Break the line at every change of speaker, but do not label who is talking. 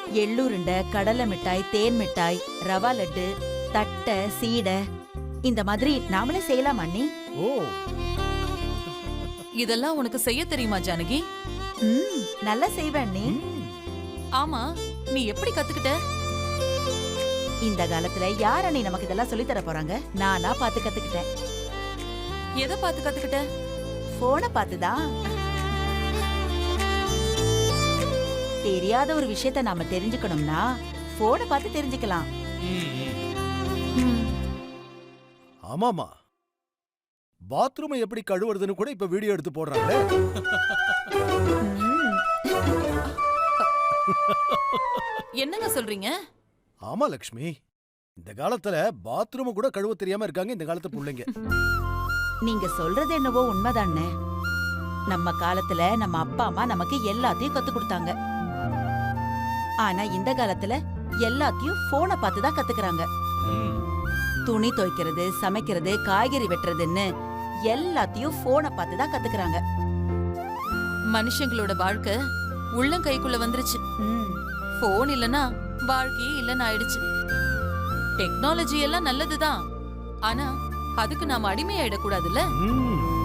எள்ளுருண்டை, கடலை மிட்டாய், தேன் மிட்டாய், ரவா லட்டு, தட்டை, சீடை இந்த மாதிரி நாமளே செய்யலாம் அண்ணி.
ஓ,
இதெல்லாம் உனக்கு செய்ய தெரியுமா ஜானகி?
நல்லா செய்வேன் அண்ணி.
ஆமா, நீ எப்படி கத்துக்கிட்ட?
இந்த காலத்துல யார் அண்ணி நமக்கு இதெல்லாம் சொல்லி தர போறாங்க? நானா பார்த்து கத்துக்கிட்டேன்.
எதை பார்த்து கத்துக்கிட்ட?
போனை பார்த்துதான். தெரியாத ஒரு விஷயத்த நாம தெரிஞ்சுக்கணும்னா போனை பார்த்து தெரிஞ்சுக்கலாம்.
ஆமாமா, பாத்ரூமை எப்படி கழுவுறதுன்னு கூட இப்ப வீடியோ எடுத்து போடுறாங்களே.
என்னங்க சொல்றீங்க?
ஆமா லக்ஷ்மி, இந்த காலத்துல பாத்ரூம் கூட கழுவ தெரியாம இருக்காங்க இந்த காலத்து பிள்ளைங்க.
நீங்க சொல்றது என்னவோ உண்மைதானே. நம்ம காலத்துல நம்ம அப்பா அம்மா நமக்கு எல்லாத்தையும் கத்து கொடுத்தாங்க. ஆனா இந்த காலத்துல எல்லாத்தையும் போனை பார்த்து தான் கத்துக்கிறாங்க. துணி துவைக்கிறது, சமைக்கிறது, காய்கறி வெட்டுறதுன்னு எல்லாத்தையும் போனை பார்த்து தான் கத்துக்கிறாங்க.
மனுஷங்களோட வாழ்க்கை உள்ளங்கைக்குள்ள வந்துருச்சு. போன் இல்லனா வாழ்க்கையே இல்லன்னு ஆயிடுச்சு. டெக்னாலஜி எல்லாம் நல்லதுதான், ஆனா அதுக்கு நாம அடிமையாயிடக்கூடாதுல்ல.